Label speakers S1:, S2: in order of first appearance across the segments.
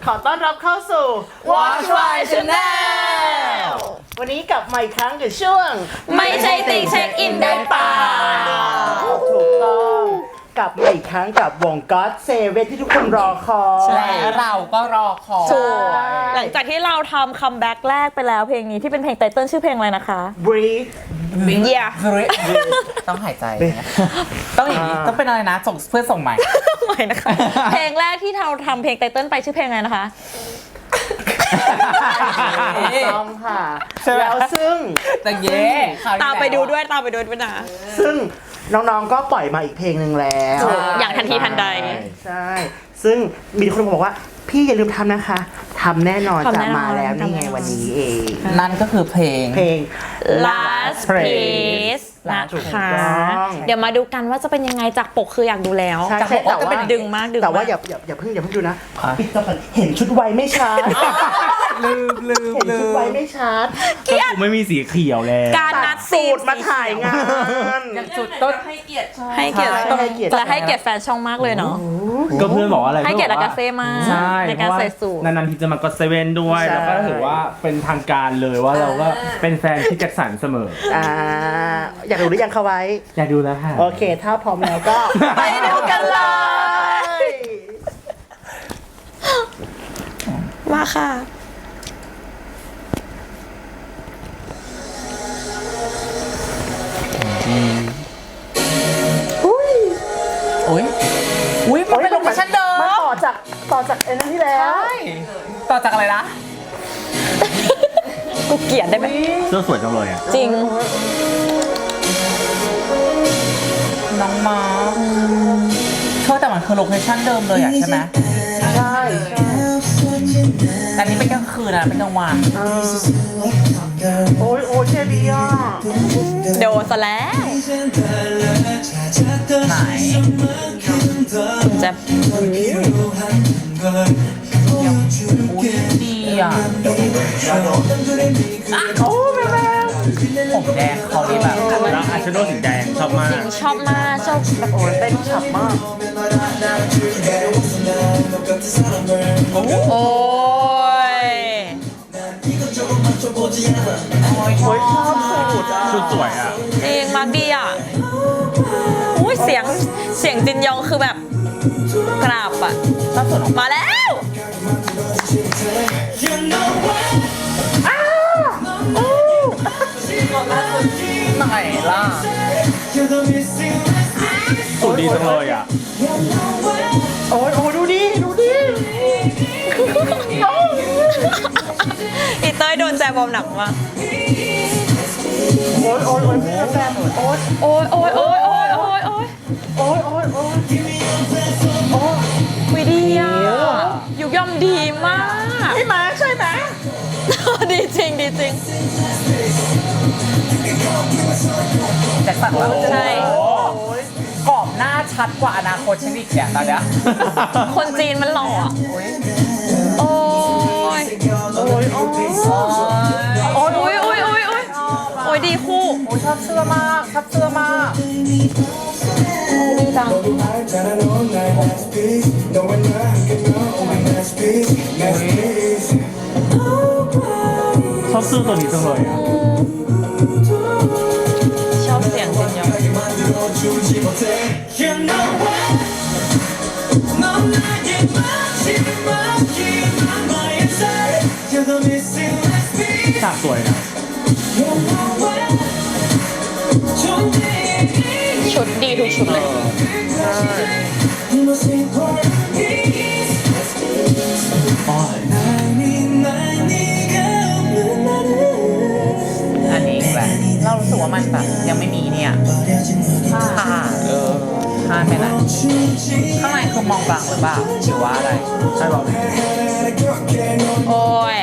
S1: ขอต้อนรับเข้าสู่
S2: Watch My Channel
S1: วันนี้กลับมาอีกครั้งกับช่วง
S2: ไม่ใช่ติ่งเช็คอินได้เปล่า
S1: ถูกต้องกลับมาอีกครั้งกับวง God Save It ที่ทุกคนรอคอย
S2: และเราก็รอคอย
S3: ถูกหลังจากที่เราทำคัมแบ็กแรกไปแล้วเพลงนี้ที่เป็นเพลงไตเติ้ลชื่อเพลงอะไรนะคะ
S1: Breathe
S3: เยีย
S2: ต้องหายใจต้องอย่างนี้ต้องเป็นอะไรนะส่งเพื่อนส่งใหม่
S3: ใหม่นะคะ เพลงแรกที่เราทำเพลงไตเติ้ลไปชื่อเพลงอะไรนะคะ
S1: ต้องค่ะ
S2: ใช่ไหม
S1: แล้วซึ่ง
S2: แต่เย่ครวที่
S3: ตามไปดูด้วย
S2: แล้
S3: ตามไปดูด้วยนะ
S1: ซึ่งน้องๆก็ปล่อยมาอีกเพลงหนึ่งแล้ว
S3: ถูกอย่างทันทีทันใด
S1: ใช่ ซึ่งมีคนบอกว่าพี่อย่าลืมทำนะคะทำแน่นอน
S3: ทำ
S1: จะ
S3: แน่นอน
S1: มาแล้วนี่ไง
S3: ทำแน่นอน
S1: วันนี้เอง
S2: นั่นก็คือเพลง
S1: เพลง
S3: last piece นะ
S1: ถูก
S3: คะ
S1: ต้อง
S3: เดี๋ยวมาดูกันว่าจะเป็นยังไงจากปกคืออยากดูแล้ว
S1: ใช่
S3: จากปกก็เป็นดึงมากดึง
S1: แต่ว่าม
S3: าก
S1: อย่าเพิ่งดูนะปิดก่อนเห็นชุดไวไม่ชัด
S2: ลืม
S1: เห็นชุดไวไม่ชัด
S4: กูไม่มีสีเขียวแล้ว
S3: การนัด
S1: สูตรมาถ่ายงาน
S2: อย่างจุดต้น
S3: ให้เกียรติ
S1: ใช่ให้เกียรติ
S3: และให้เกียรติแฟนช่องมากเลยเนาะ
S4: ก็เพื่อนบอกว่าอะไร
S3: ให้เกียรติ
S4: พื่อนบ
S3: อากาเซ่มาก
S4: ใช่
S3: ในการใส่สูท
S4: นานๆทีจะมากดเซเว่นด้วย
S1: ใช่
S4: แล้วก็ถือว่าเป็นทางการเลยว่าเราก็เป็นแฟนพี่แจ็คสันเสมอ
S1: อยากดูหรือยังเขาไว้
S4: อยากดูแล้วค่ะ
S1: โอเค ถ้าพร้อมแล้วก็
S3: ไปดูกันเลย มาค่ะ
S2: อุ้ยมันเป็นโลเคชั่นเดิ
S1: มัน
S2: ม
S1: ต่อจากไอ้นั่นที่แล้ว
S2: ใช่ต่อจากอะไรนะ
S3: กูเกลียดได้ไหม
S4: เสื้อสวยจังเลยอ่ะ
S3: จริง
S2: น้องมาเธอแต่มันคือโลเคชั่นเดิมเลยอ่ะใช่ไหม
S1: ใช่
S2: แต่นี่เป็นกลางคืนนะเป็นกลางวัน
S1: โอ้ยเจบีอ่ะ
S3: โดนซะแล้ว
S2: ไหน
S3: จะ
S2: อุ้ยดีอ่ะ
S1: โอ้แม่
S2: ผมแดงเขาดีแบบ
S4: แล้วอาชโดสีแดงชอบมาก
S3: ชอบมากชอบแบบ
S1: โอ้ยเต้นฉ่ำมาก
S3: โอ้ย
S1: โอ้ยชอบสูตรอ่ะ
S4: ชุดสวยอ่ะ
S3: จริงมากดีอ่ะอุ้ยเสียงจินยองคือแบบกราบอ่ะ
S2: ชอบส่วนของ
S3: มาแล้ว
S2: ไหนล่ะ
S4: สุดดีจังเลยอ่ะ
S1: โอ้ยดูดิ
S3: อีเต้ยโดนแจบอมหนักมาก
S1: โอ้ยพี่แฟนโอ้ย
S3: โอ้ยโอ้ยโอ้ยโอ้ยโอ้ยโอ้ย
S1: โอ้ย
S3: วิดีอ่ะยุกย่อมดีมาก
S1: ใช่ไหม
S3: ดีจริงดีจริง
S2: แจ็คสันว่า
S3: ใช่
S2: กรอบหน้าชัดกว่าอนาคตฉันอีกเนี่ยตอนเนี้ย
S3: คนจีนมันหล่ออะ
S2: อุ้ย
S3: โอ้ย
S1: โอ้ย
S3: โอ้ยโอ้ยโอ้ยโอ้ยโอ้ยโอ้ยดีคู่
S2: โอ้ยชอบเสื้อมากชอบเสื้อมาก
S3: ดีจัง
S4: ชอบเสื้อตัวนี้จังเลยอ่ะ
S3: ชอบเสียงจินยอง
S4: ฉากสวยนะ
S3: ชุดดีทุกชุดเลย
S2: อันนี้แหละเรารู้สึกว่ามันแบบยังไม่มีเนี่ยค่ะพลาดไปไหนข้างในคือมองบลังหรือเปล่าหรือว่าอะไร
S4: ใช่ป่ะ
S3: โอ้ย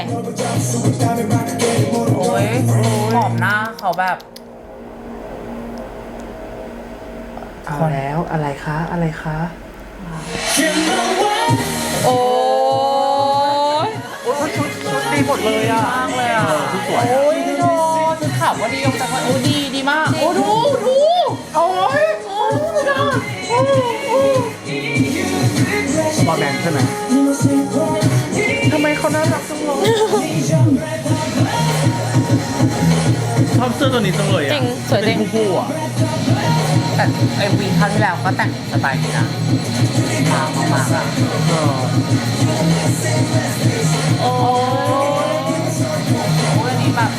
S2: โอ้ยขอบหน้าเขาแบบ
S1: เอาแล้วอะไรคะ
S3: โอ้ย
S1: โอ้ยชุดดีหมดเลยอ่ะ
S2: มากเลยอ่ะ
S4: ชุดสวย
S2: โอ้ยโดนชุดขาวก็ดีลงจากว่าโอ้ดีมากโอ้ดู
S1: โอ้ย
S4: บอลแบนด์ใช่ไหม
S1: ทำไมเขาน่ารักจังเลย
S4: ชอบเสื้อตัวนี้จังเลย
S3: จริ
S4: อ่ะ
S3: งสวยจริง
S4: เป็นคู่ๆอ่ะ
S2: แต่ไอวีครั้งที่แล้วก็แต่งสไตล์นี้นะมากๆอ่ะ
S3: โอ้
S2: โอ้ยอันนี้แบบ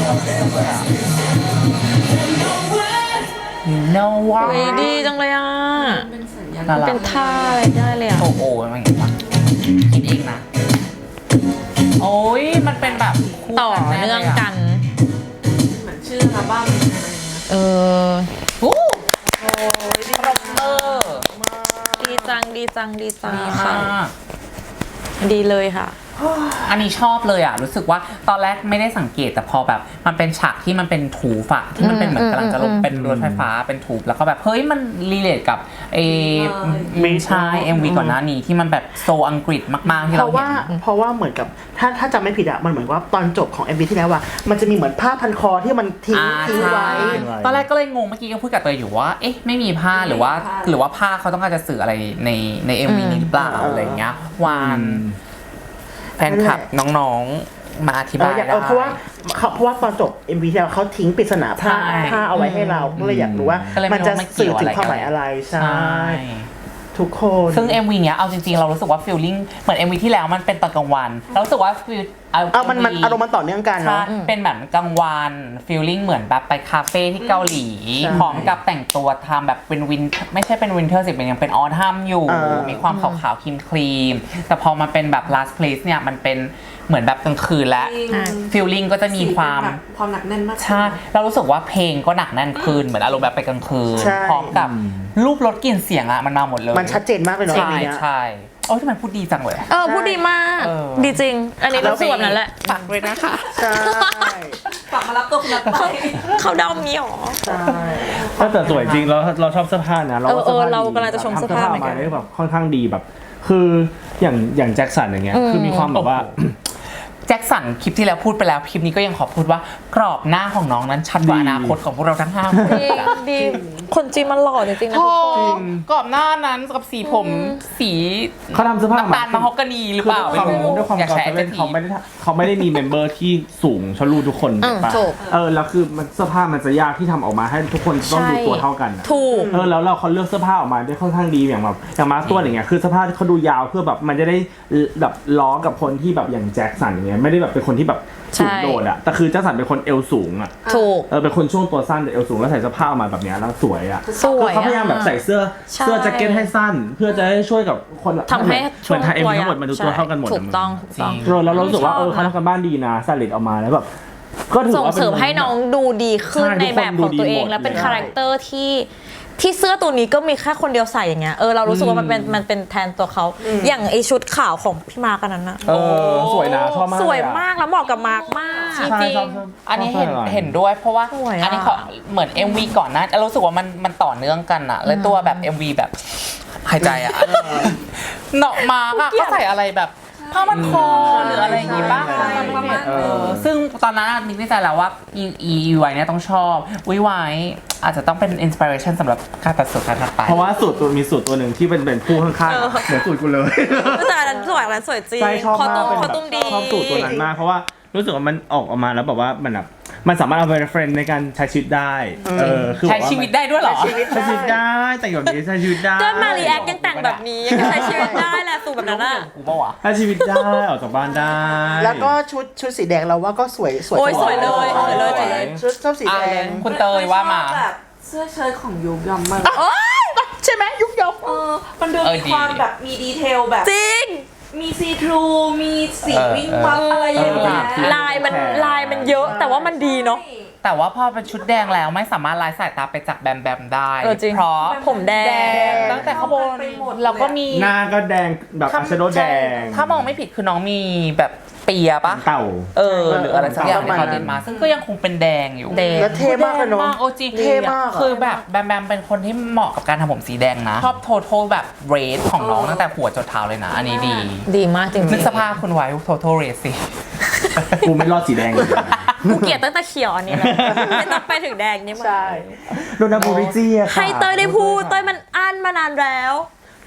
S2: no ว่า
S3: ยดีจังเลยอ่ะ
S2: น่ารัก
S3: เป็นท่าอะไรได้เลยอ่ะ
S2: โอ้โหมันอย่างงี้ปะคิดเองนะ โอ้ยมันเป็นแบบคู่
S3: ต่อ
S2: แ
S3: เนื่องกัน
S5: เหมือนชื่ออัลบั้มอะไรอย่างเงี้ย
S3: เออ
S2: โอ้ยดีมาก
S3: ดีจังดีจังดีจัง
S2: ดี
S3: ค่ะ
S2: มาก
S3: ดีเลยค่ะ
S2: อันนี้ชอบเลยอ่ะ รู้สึกว่าตอนแรกไม่ได้สังเกตแต่พอแบบมันเป็นฉากที่มันเป็นถูฝะที่มันเป็นเหมือนกำลังจะลงเป็นรถไฟฟ้าเป็นถูแล้วก็แบบเฮ้ยมันรีเลทกับมีชาย MV ก่อนหน้านี้ที่มันแบบโซอังกฤษมากๆที่
S1: เพ
S2: เรา
S1: ราะ
S2: เห็
S1: ว่าน เพราะว่าเหมือนกับถ้าจำไม่ผิดอะมันเหมือนว่าตอนจบของ MV ที่แล้วอะมันจะมีเหมือนผ้าพันคอที่มันทิ้งไว้
S2: ตอนแรกก็เลยงงเมื่อกี้ก็พูดกับเตยอยู่ว่าเอ๊ะไม่มีผ้าหรือว่าผ้าเขาต้องการจะสื่ออะไรใน MV นี้หรือเปล่าอะไรอย่างเงี้ยวานแฟนคลับน้องๆมาอธิบายได้
S1: เพราะว่าตอนจบ MV ที่แล้วเขาทิ้งปริศนาผ้า
S2: ใช่
S1: เอาไว้ให้เราก็เลยอยากรู้ว่า
S2: ก็เลยไม่
S1: มันจะ
S2: รู้ว่ามันเกี่
S1: สื่อ
S2: ยว
S1: ถึง
S2: อะไร
S1: ความหมายอะไรใช่
S2: ใช่
S1: ทุกคน
S2: ซึ่ง MV เนี้ยเอาจริงๆเรารู้สึกว่าฟีลลิ่งเหมือน MV ที่แล้วมันเป็นตอนกลางวันเรารู้สึกว่าฟีล
S1: มันอารมณ์มันต่อเนื่องกัน
S2: ใช่
S1: เนาะ
S2: เป็นแบบกลางวันฟีลลิ่งเหมือนแบบไปคาเฟ่ที่เกาหลี
S1: ใช่
S2: พร้อมกับแต่งตัวทำแบบเป็นวินไม่ใช่เป็นวินเทอร์สิเป็นยังเป็นออทัมอยู่ มีความขาวๆครีมๆแต่พอมาเป็นแบบ last place เนี่ยมันเป็นเหมือนแบบกลางคืนและ ฟีลลิ่งก็จะมีความ
S5: ความหนักแน่นมาก
S2: ใช่เรารู้สึกว่าเพลงก็หนักแน่นขึ้นเหมือนอารมณ์แบบไปกลางคืน
S1: ใช่
S2: พร้อมกับรูปรสกลิ่นเสียงอะมันมาหมดเลย
S1: มันชัดเจนมากเลยเนาะ
S2: ใช่
S1: เพลงเนี้ย
S2: ใช่โอ้ยทำไมพูดดีจังเลยอะ
S3: พูดดีมาก
S2: เออ
S3: ดีจริง อันนี้รู้สึกแบบนั้นแหละ
S2: ฝากเลยนะคะ
S1: ใช่
S5: ฝากมารับตัวคุณนัทไป
S3: เขาเดามีหรอ
S1: ใช่
S4: แต่สวยจริงเราชอบเสื้อผ้านะเราว่า
S3: เออ
S4: สื้ผ้
S3: เรากำลังจะชมเสื้อผ้าเหมือนกัน
S4: ทำได้แบบค่อนข้างดีแบบ คืออย่างแจ็คสันอย่างเงี้ยคือมีความแบบว่า
S2: แจ็คสันคลิปที่แล้วพูดไปแล้วคลิปนี้ก็ยังขอพูดว่ากรอบหน้าของน้องนั้นชัดกว่าอนาคตของพวกเราทั้ง5 คน
S3: ดีดี คนจีนมันหล่อจริงๆนะ
S2: โอ้
S3: ทุกคน
S2: กรอบหน้านั้นกับสีผมสี
S4: เขาทำเสื้อผ้า
S2: น้ำตาลมะฮอกกานีหรือเปล่า
S4: ด้วยความ
S2: อยาก
S4: กอ
S2: ใช้
S4: เซเว่น
S2: ที
S4: เขาไม่ได้มีเมมเบอร์ที่สูงชะลูทุกคน
S3: ถูก
S4: ปะแล้วคือมันเสื้อผ้ามันจะยากที่ทำออกมาให้ทุกคนต้องดูตัวเท่ากันอะ
S3: ถูก
S4: แล้วเขาเลือกเสื้อผ้าออกมาได้ค่อนข้างดีอย่างมาร์คตัวอย่างเงี้ยคือเสื้อผ้าที่เขาดูยาวเพื่อแบบมันจะได้แบบล้อกับคนที่แบบอย่างแจ็คสันอย่างเงี้ยไม่ได้แบบเป็นคนที่แบบสูงโดดอะแต่คือแจ็คสันเป็นคนเอวสูงอะ
S3: ถูก
S4: เป็นคนช่วงตัวสั้นแต่เอวสูงแล้วใส่เสื้อผ้าออกมาแบบเนี้ยแล้วสวยอะ
S3: สวย
S4: เขาพยายามแบบใส่เสื้อแจ็คเก็ตให้สั้น เพื่อจะให้ช่วยกับคน
S3: ทำให้
S4: เหมือนไทยเอ็มทั้งหมดมันดูตัวเท่ากันหมด
S3: ถูกต้องถูกต้อง
S4: แล้วเรารู้สึกว่าเขาทำกันบ้านดีนะสลิดออกมาแล้วแบบก็ถือ
S3: ส่ง
S4: ว่า
S3: เสริมให้น้องดูดีขึ้น
S4: ใช่
S3: ในแบบของตัวเอง
S4: ทุกคนดูดีหมด
S3: และเป็น
S4: เลย
S3: คาแรคเตอร์ที่เสื้อตัวนี้ก็มีแค่คนเดียวใส่อย่างเงี้ยเรารู้สึกว่ามันเป็นแทนตัวเขาอย่างไอชุดขาวของพี่มาร์กอันนั้นนะ
S4: สวยนะชอบมาก
S3: สวยมากแล้วเหมาะกับมาร์กมาก
S2: จริงอันนี้เห็นด้วยเพราะว่า
S3: สวยอะ
S2: อันนี้เขาเหมือน MV ก่อนหนะรู้สึกว่ามันต่อเนื่องกันอะแล้วตัวแบบ MV แบบหายใจอะเนาะมาอะก็ใส่อะไรแบบผ้ามันคอหรืออะไรอย่างงี้ป่ะซึ่งตอนนั้นนึกในใจแล้วว่าอีไวเนี่ยต้องชอบวิไวอาจจะต้องเป็นอินสปิเรชันสำหรับการตัดสูตรการถัดไป
S4: เพราะว่ามีสูตรตัวหนึ่งที่เป็นผู้ข้างๆเหมือนสูตรกูเลย
S3: แต่อันนั้นสวยอันนั้นสวยจริง
S4: ใช่ชอบ
S3: คอ
S4: มาก
S3: ตุ้ม
S4: เป็น
S3: คอ
S4: แบบ
S3: ตุ้มดี
S4: ชอบสูตรตัวนั้นมากเพราะว่ารู้สึกว่ามันออกมาแล้วแบบว่ามันแบบมันสามารถเอาไปเป็นเฟรนด์ในการใช้ชีวิตได้คือ
S2: ใช้ชีวิตได้ด้วยเหรอ
S4: ใช้ชีวิตได้แต่งแบบนี้ใช้ชีวิตได้
S3: ด้วยมารีแอคยังแต่งแบบนี้ยังใช้ชีวิตได้แหละสูตรแบบนั้นอะ
S2: กูป่าวะ
S4: ใช้ชีวิตได้ออกจากบ้านได้
S1: แล้วก็ชุดสีแดงเราว่าก็สวย
S3: โอ้ยสวยเลยสวยเลยสวยเลย
S1: ชุดสีแดง
S2: คุณเตยว่ามา
S5: แบบเสื้อเชิ้ตของยุคยอมมาก
S3: โอ๊ย
S1: ใช่ไหมยุกยก
S5: มันดูมีความแบบมีดีเทลแบบ
S3: จริง
S5: มีซีทรูมีสีวิ่งวับอะไรอย่างเงี้ย
S3: ลายมันเยอะแต่ว่ามันดีเนาะ
S2: แต่ว่าพอเป็นชุดแดงแล้วไม่สามารถลายสายตาไปจากแบมแบมได้
S3: จริง
S2: เพราะ
S3: ผมแดง
S2: ตั้งแต่ข้างบนแล้วก็มี
S4: หน้าก็แดงแบบอาชโดแดง
S2: ถ้ามองไม่ผิดคือน้องมีแบบเปียปะ
S4: เต่า
S2: หรืออะไรสักอย่าง
S1: ประ
S2: ที่
S1: มาณ
S2: เขาเดินมา ซึ่งก็ยังคงเป็นแดงอยู่
S3: แดง
S1: แล้วเท่มากเลยเนาะ
S2: โอจี
S1: เท่มากอะ
S2: คือแบบแบมแบมเป็นคนที่เหมาะกับการทำผมสีแดงนะชอบโททแบบเรสของน้องตั้งแต่หัวจนเท้าเลยนะ อันนี้ดี
S3: ดีมากจริง
S2: นึกสภาพคุณไว้โทเรสสิ
S4: กูไม่รอดสีแดงเลย
S3: กูเกลียดตั้งแต่เขียวอันนี้แล้วไม่ต้องไปถึงแดงนี่มัน
S1: ใช่
S4: โดนาบูริจี้อะค่ะ
S3: ให้เต้ยได้พูดเต้ยมันอั้นมานานแล้ว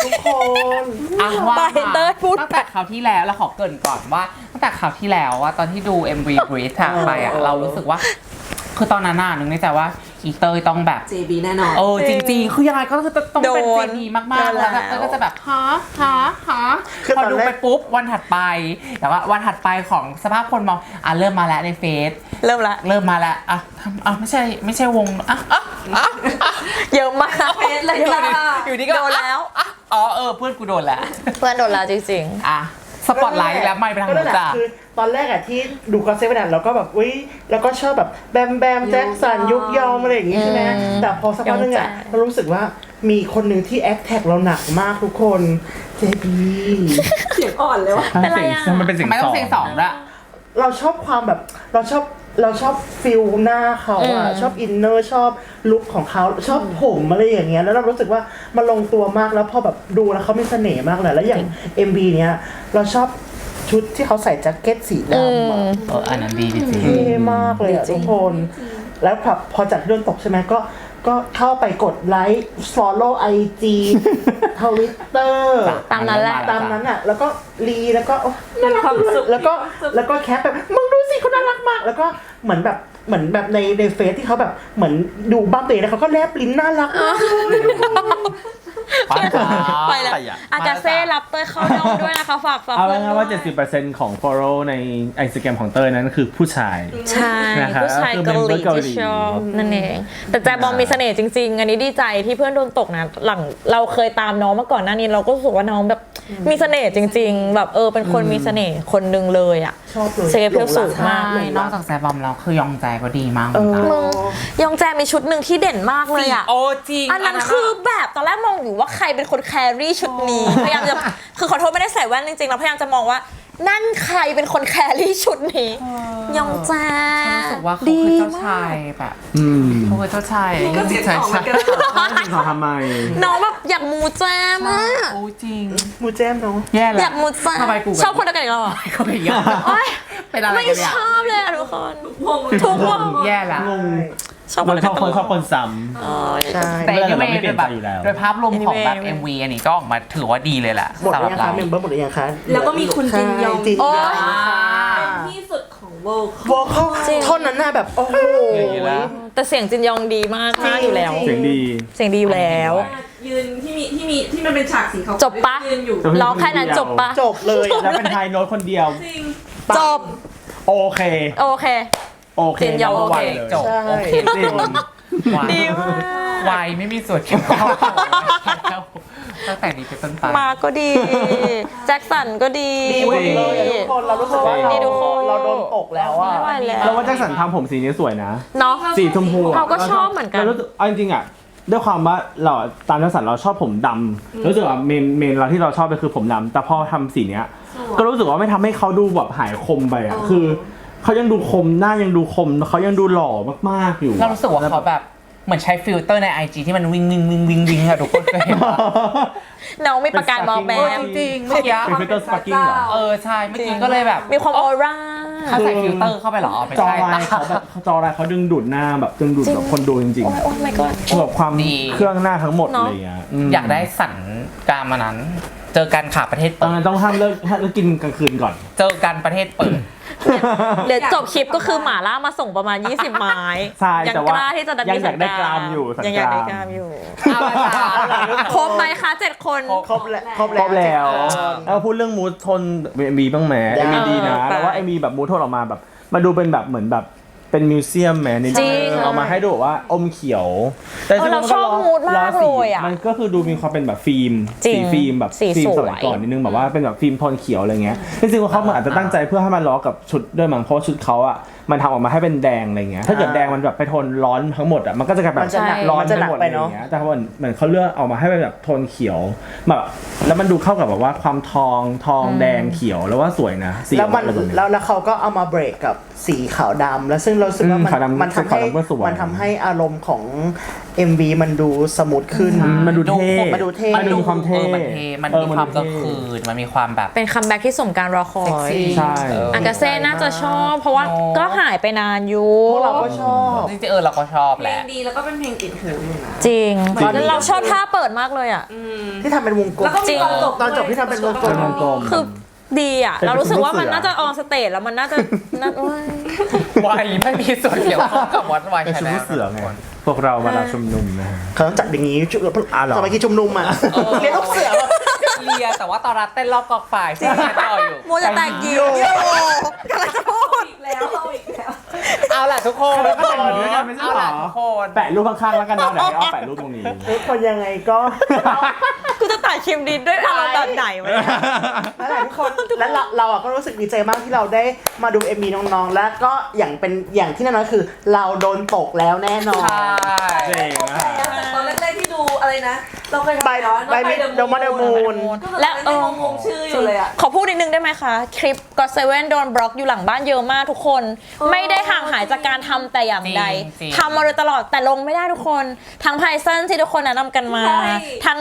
S1: ทุกคน
S2: อ่ะว่า
S3: ไปเต้ยพูด
S2: ตั้งแต่คราวที่แล้วเราขอเกริ่นก่อนว่าตั้งแต่คราวที่แล้วว่าตอนที่ดู MV Breathe ไปอ่ะเรารู้สึกว่า คือตอนนั้นน่ะนึกในใจว่าอีเตยต้องแบบ
S5: JB แน่นอน
S2: จริงๆคือยังไงก็คือต้องเป็น
S3: โดน
S2: JB มากๆแล้วแบบเต้ยก็จะแบบฮะ
S1: คือ
S2: พอ
S1: ตอน
S2: ดู
S1: แรก
S2: ไปปุ๊บวันถัดไปแต่ว่าวันถัดไปของสภาพคนมองเริ่มมาแล้วในเฟซ
S3: เริ่มละ
S2: เริ่มมาแล้วไม่ใช่วง
S3: เยอะมาก
S5: เฟซเลยจ้า
S2: อยู่ดีก็
S3: โดนแล้ว
S2: เพื่อนกูโดนแล้ว
S3: เพื่อนโดนแล้วจริง
S2: สปอตไลท์แล้วไม่ไปทาง
S1: ก็
S2: นู้
S1: นั่
S2: น
S1: นแหละ
S2: จ้ะ
S1: คือตอนแรกอะที่ดูก็เซเว่นเราก็แบบอุ้ยแล้วก็ชอบแบบแบมแบมแจ็คสันยุกยอมอะไรอย่างงี้ใช่ไหมแต่พอสักพักนึงอะเรารู้สึกว่ามีคนหนึ่งที่แอคแท็กเราหนักมากทุกคนเจบี
S5: เสียงอ่อนเลยวะ
S3: เป็นไรอะ
S4: มันเป็นเสียง
S2: ทำไมต้องเพลง
S4: ส
S2: ส
S4: อ
S2: อง งด้วย
S1: เราชอบความแบบเราชอบฟิลหน้าเขาอะชอบอินเนอร์ชอบลุคของเขาชอบผมอะไรอย่างเงี้ยแล้วเรารู้สึกว่ามันลงตัวมากแล้วพอแบบดูแล้วเขามีเสน่ห์มากเลยแล้วอย่าง MV เนี้ยเราชอบชุดที่เขาใส่แจ็คเก็ตสีดำอะ
S2: อันนั้นดีจริง
S1: เท่มากเลยอะทุกคน แล้วพอจากเรื่องตกใช่ไหมก็เข้าไปกดไลค์ follow IG Twitter
S3: ตามนั้นแหละ
S1: ตามนั้นอ่ะ แล้วก็รีแล้วก็โอ๊ยน่ารักเลยแล้วก็แคปแบบมึงดูสิเขาน่ารักมาก แล้วก็เหมือนแบบในเฟซที่เขาแบบเหมือนดูบ้าเตะแล้วเขาก็แลบลิ้นน่ารักมาก
S3: ไปแล้วอากาเซ่รับเต้ยเข้าดอมด้วยนะคะฝาก
S4: เอา
S3: เพื่อน
S4: ง่ายๆว่า
S3: ด้วย
S4: 70% ของ follow ใน Instagram ของเต้ยนั้นคือผู้ชาย
S3: ใช่
S4: นะครับ
S3: ผู้ชายเกาหลี
S4: เกาหลี
S3: ที่ชอบนั่นเองแต่แจบอมมีเสน่ห์จริงๆ อันนี้ดีใจที่เพื่อนโดนตกนะหลังเราเคยตามน้องมาก่อนหน้านี้เราก็รู้สึกว่าน้องแบบมีเสน่ห์จริง ๆ แบบเป็นคนมีเสน่ห์คนหนึงเลยอ่ะ
S1: ชอบเลย
S3: เซฟเพียวสูงมาก
S2: ใช่นอกจากแซบอมแล้วคือยองใจก็ดีมากเหมือนกัน
S3: มึงยองแจมีชุดหนึ่งที่เด่นมากเลยอ่ะ
S2: จริง
S3: อันนั้นคือแบบตอนแรกมองอยู่ว่าใครเป็นคนแครี่ชุดนี้พยายามจะคือขอโทษไม่ได้ใส่แว่นจริงๆเราพยายามจะมองว่านั่นใครเป็นคนแครี่ชุดนี้ยองแจ
S2: รู้สึกว่าเขาคือเจ้าชายแบบเขาคือเจ้าชาย
S5: นี่ก็เสียงสองเหมือนกัน
S4: จริงขอทำไม
S3: น้องแบบอยากมูแจมาก
S2: โอ้จริง
S1: มูแจมเนาะ
S2: แย่
S3: อ
S2: แล้
S3: ยาว กมูแจม
S2: ทำไมกู
S3: ชอบคนเดียวกันอีกแล้วเหรอ
S2: เขาเป็นยัง
S3: โอ๊ย
S2: เป็นอะไร
S3: ไม่
S2: กันเนี่ย
S3: ชอบเลยอะทุกคน
S5: วง
S3: ทุกวง
S2: แย่ละ
S4: งง
S3: ชอบค
S4: มัน น
S3: เดียว
S4: ช
S3: กั
S4: อน บคนชอบคนซ้
S1: ใช่
S2: แต่
S4: ไม่
S2: anyway
S4: ไม่เปลี่ยนใจอยู่แล้ว
S2: โดยภาพรวมของแบบ
S3: anyway
S2: MV อันนี้ก็ออกมาถือว่าดีเลยแหละ
S1: หมดหรือยัง
S2: สำห
S1: คะ
S2: รับ
S1: เมมเบอร์หมดหรือยังคะ
S5: แล้วก็มีคุณจินยอง
S1: ใช่จินยอง
S5: เป็นที่สุดของโลก
S1: วอลเขาท่อนนั้นน่ะแบบโอ้โห
S2: อย่างนี้แล้ว
S3: แต่เสียงจินยองดีมากอยู่แล้ว
S4: ำเสียงดี
S3: เสียงดีอยู่แล้ว
S5: ยืนที่มันเป็นฉากสีขาว
S3: จบปะ
S5: ยืนอยู่
S3: ร้องแค่นั้นจบปะ
S1: จบเลย
S4: แล้วเป็นไฮโน้ตคนเดียว
S5: จริง
S3: จบ
S4: โอเค
S3: โอเค
S4: โอเค
S3: จินยอง
S4: number
S3: โอเค
S4: one เลย
S2: จบ
S1: ใช่
S2: โอเค
S4: จริง
S2: วาย
S3: ดีมาก
S2: วายไม่มีส่วนเกี่ยวข้องตั้งแต่นี้เป็นต้นไป
S3: มาก็ดี แจ็คสันก็ดี
S1: ดีหมดเลยอะทุกคนเรารู้สึกว่า
S3: ดีทุกคน
S1: เราโดนตกแล้วอ่ะ
S3: ไม่ไหวแล้ว
S4: แล้วว่าแจ็คสันทำผมสีนี้สวยนะ
S3: เนาะ
S4: สีชมพูะ
S3: เราก็ชอบเหมือนกัน
S4: รารู้สึเอาจริงๆอ่ะด้วยความว่าเราตามแจ็คสันเราชอบผมดำรู้สึกว่าเมนเราที่เราชอบก็คือผมดำแต่พอทำสีเนี้ย ก็รู้สึกว่าไม่ทำให้เขาดูแบบหายคมไปอ่ะคือเขายังดูคมหน้ายังดูคมเขายังดูหล่อมากๆอยู่
S2: เรารู้สึกว่าเขาแบบเหมือนใช้ฟิลเตอร์ใน IG ที่มันวิ่งอะทุกคนเคยเห็นปะ
S3: น้องมีประกายมอแบ
S2: จ
S3: บ
S2: ริงๆเมื่อกี้
S4: เป็นฟิลเตอร์สปาร์กิ้งเหรอ
S2: ใช่เมื่อกี้ก็เลยแบบ
S3: มีความออร่า
S2: เขาใส่ฟิลเตอร์เข้าไปเหรอไม่
S4: จอ
S2: ใช่
S4: ลายเขาแบบจอลายเขาดึงดูดหน้าแบบดึงดูดแบบคนดูจริง
S3: โอ้ยโอ้ my god
S4: ๆแบบความเครื่องหน้าทั้งหมด
S3: เนอะ
S4: อะไรอย่างเงี้ยม
S2: อยากได้สันกรามมานั้น เจอกันค่ะประเทศ
S4: ตอ
S2: เปิ
S4: น
S2: ด
S4: นั้นต้องห้ามเลิกกินกลางคืนก่อน
S2: เจอกันประเทศเปิด
S3: เดี๋ยวจบคลิปก็คือหมาล่ามาส่งประมาณ 20 ไม้
S4: ใช่
S3: ยัง
S4: แต่
S3: ก
S4: ว่า
S3: ล้าที่จะดัน
S4: ยังอยากได้กรามอยู่สัก
S3: ยังอยากได้
S4: ก
S3: ก
S4: ราร
S3: าม มอยู่
S2: เอาละจ้า
S3: ครบไหมคะ7 คน
S1: ครบแล้ว
S4: ครบแล้วแล้วพูดเรื่องมูทโทนเอ็มบีบ้างไหม
S1: ได้
S4: เอ็มบีดีนะ
S3: ไป
S4: แล้วว่าเอ็มบีแบบมูทโทนออกมาแบบมาดูเป็นแบบเหมือนแบบเป็นมิวเซียมแมใน
S3: จริง
S4: เอามาให้ดูแบบว่าอมเขียวแต่
S3: เราชอบมูดมากเลยอะ
S4: มันก็คือดูมีความเป็นแบบฟิล์ม
S3: จริง
S4: สีฟิล์มแบบ
S3: สี
S4: ฟิล์ม
S3: ส
S4: ส
S3: วย
S4: มัยก่อนนิดนึงแบบว่าเป็นแบบฟิล์มโทนเขียวอะไรเงี้ยจริงๆว่าเขาอาจจะตั้งใจเพื่อให้มันล้อกับชุดด้วยมั้งเพราะชุดเขาอ่ะมันทำออกมาให้เป็นแดงอะไรเงี้ยถ้าเกิดแดงมันแบบไปโทนร้อนทั้งหมดอ่ะมันก็จะกลายแบบ
S1: มันจะหนัก
S4: ร้อน
S1: มันจะหนั
S4: ทั้
S1: ก
S4: งหมด
S1: ไป
S4: อะไร
S1: เนอะ
S4: เงี้ยแต่เหมือนเขาเลือกออกมาให้เป็นแบบโทนเขียวแบบแล้วมันดูเข้ากับแบบว่าความทองแดงเขียวแล้วว่าสวยนะสี
S1: แล้วมัน
S4: อะไรแบบนี้
S1: แล้วเขาก็เอามาเบรกกับสีขาวดำแล้วซึ่งเรารู้สึกว่า
S4: ขาวดำ
S1: มันทำให้
S4: ขาวดำก็สวย
S1: มันทำให้อารมณ์ของ MV มันดูสมูทขึ้น
S4: มันดูเท่
S1: มันดูเท่
S4: มันดูมีความเท่
S2: มันมีความกลางคืนมันมีความแบบ
S3: เป็นคัมแบ็กที่สมการรอคอ
S2: เซ็ก
S3: ย
S2: ซี่
S4: ใช่
S3: อากาเซ่น่าจะชอบ เพราะว่า
S2: เนอะ
S3: ก็ไฮหายไปนานอยู่
S1: พวกเราก็ชอบ
S2: จริงๆเราก็ชอบ
S5: เพ
S2: แห
S5: ล
S2: ละ
S5: งดีแล้วก็เป็นเพลงติดหูอยู่นะ
S3: จริง
S1: จริง
S3: แล้วเราชอบท่าเปิดมากเลยอ่ะ
S1: ที่ทำเป็นวงกลม
S5: แล้วก็มีตอนจบ
S1: ตอนจบที่ทำเป็นวงกล
S4: เป็นวงกลม
S3: คือดีอ่ะ
S4: เป็น
S3: เรารู้สึกว่ามัน
S4: ลูกเสือ
S3: น่าจะออนสเตจแล้วมันน่าจะน่าโอ้ย
S2: วัยไม่มีส่วนเกี่ยวข้องกับวัดวัย
S4: เป็น
S2: ช
S4: ชุด
S2: แน
S4: ลู
S2: ล
S4: กเสือไงพวกเรามาลาชุมนุมนะฮะ
S1: เขาต้องจัดอย่างนี้ชุด
S4: เหรอ
S1: สมัยที่ชุมนุมอ่ะเรียนลูกเสือแบบ
S2: เลียแต่ว่าตอนรัฐเต้นรอบกองไฟที่เรียนต่ออยู่
S3: โมจะแตกยิวกำลังจะพูด
S5: อีกแล้วเอาอีกแล้ว
S2: เอาล่ะทุกคน
S4: แล้วก็แต่งเหมือนกันไม่ใช่
S2: เอา
S4: เหร
S2: ล่ะ
S4: อ
S2: ทุกคน
S4: แปะรูปข้างๆแล้วกันเนาะเดี๋ยวให้เอาแปะรูปตรงนี้
S1: ทุกคนยังไงก็
S3: กูจะตัดคลิปนี้ด้วยอารมณ์แบบไหนวะเนี่ย
S1: นั่นแหละทุกคนและเราอ่ะก็รู้สึกดีใจมากที่เราได้มาดู MV น้องๆ แล้วก็อย่างที่แน่นอนคือ เราโดนตกแล้วแน่นอน
S2: ใช่
S4: เจ๋ง
S5: โอ
S4: อะ
S5: เคแต่ตอนแรกๆที่ดูอะไรนะ เราเคย
S1: ใบ
S5: ทำย้อน
S1: ใบมิดโดมาเดมูน
S5: และงงชื่ออยู่เลยอ่ะ
S3: ขอพูดนิดนึงได้ไหมคะ คลิป God Seven โดนบล็อกอยู่หลังบ้านเยอะมากทุกคน ไม่ได้ห่างหายจากการทำแต่อย่างใด
S2: จริง
S3: ทำมาโดยตลอดแต่ลงไม่ได้ทุกคน ทั้งไพซันที่ทุกคนแนะนำกันมา
S5: ใช่
S3: ทั้ง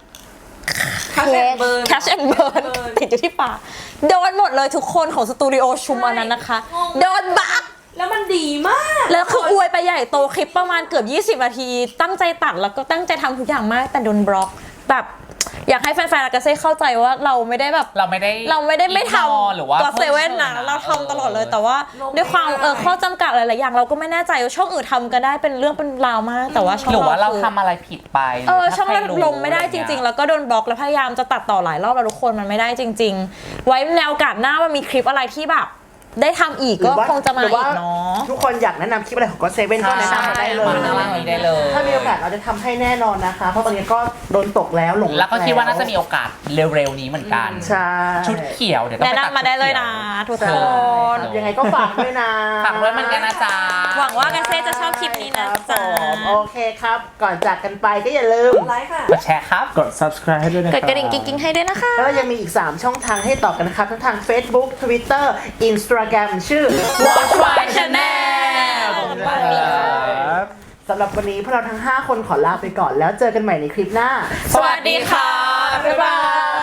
S5: Cash and Burn
S3: Cash and Burn ติดอยู่ที่ปากโดนหมดเลยทุกคนของสตูดิโอชุมอันนั้นนะคะ โดนบัก
S5: แล้วมันดีมาก
S3: แล้วคืออวยไปใหญ่โตคลิปประมาณเกือบ 20 นาที ตั้งใจตัดแล้วก็ตั้งใจทำทุกอย่างมากแต่โดนบล็อกแบบอยากให้แฟนๆอากาเซ่เข้าใจว่าเราไม่ได้แบบ
S2: เราไม่ได้
S3: ไม่ท
S2: ignore หรือว่า
S3: ำก็เซเว่นนะเราทำตลอดเลยแต่ว่าด้วยความข้อจำกัดหลายๆอย่างเราก็ไม่แน่ใจว่าช่องอื่นทำกันได้เป็นเรื่องเป็นราวมาก แต่ว่าช่อง
S2: หรือว่าเรา
S3: คือ
S2: ทำอะไรผิดไป
S3: ช่องเราลงไม่ได้จริง ๆ แล้วก็โดนบล็อกแล้วพยายามจะตัดต่อหลายรอบแล้วทุกคนมันไม่ได้จริง ๆ ไว้ในโอกาสหน้าว่ามีคลิปอะไรที่แบบได้ทำอีกก็คงจะมาอีกเนาะ
S1: ทุกคนอยากแนะนำคลิปอะไรของก็เซเว่นก็แนะนำมาได้เลย
S2: มาข้างล่างนี้ได้เลย
S1: ถ้ามีโอกาสเราจะทำให้แน่นอนนะคะ เพราะตอนนี้ก็โดนตกแล้วหลง
S2: แล้วก็คิดว่าน่าจะมีโอกาสเร็วๆนี้เหมือนกัน
S1: ใช่
S2: ชุดเขียวเดี๋ยวต้อง
S3: แนะ
S2: ไปตัด
S3: นำมาได้เลยนะทุกคน
S1: ยังไงก็ฝากด้วยนะ
S2: ฝากด้วยเหมือนกันนะจ๊ะ
S3: หวังว่ากาเซ่จะชอบคลิปนี้นะจ๊ะ
S1: ครับผมโอเคครับ ก่อนจากกันไปก็อย่าลืม
S5: ไลค์ค่ะ
S2: กดแชร์ครับ
S4: กด subscribe ให้ด้วยนะค
S3: ก
S4: รั
S3: ดกระดิ่งกิ๊งๆให้ด้วยนะคะ
S1: แล้วยังมีอีก 3 ช่องทางให้ต่อกันนะครับ ทั้งทาง Facebook Twitter Instagram ชื่อ
S2: Watch My Channel
S4: ครับ
S1: สำหรับวันนี้พวกเราทั้ง 5 คนขอลาไปก่อนแล้วเจอกันใหม่ในคลิปหน้า
S2: สวัสดีค่ะ
S1: บ๊ายบาย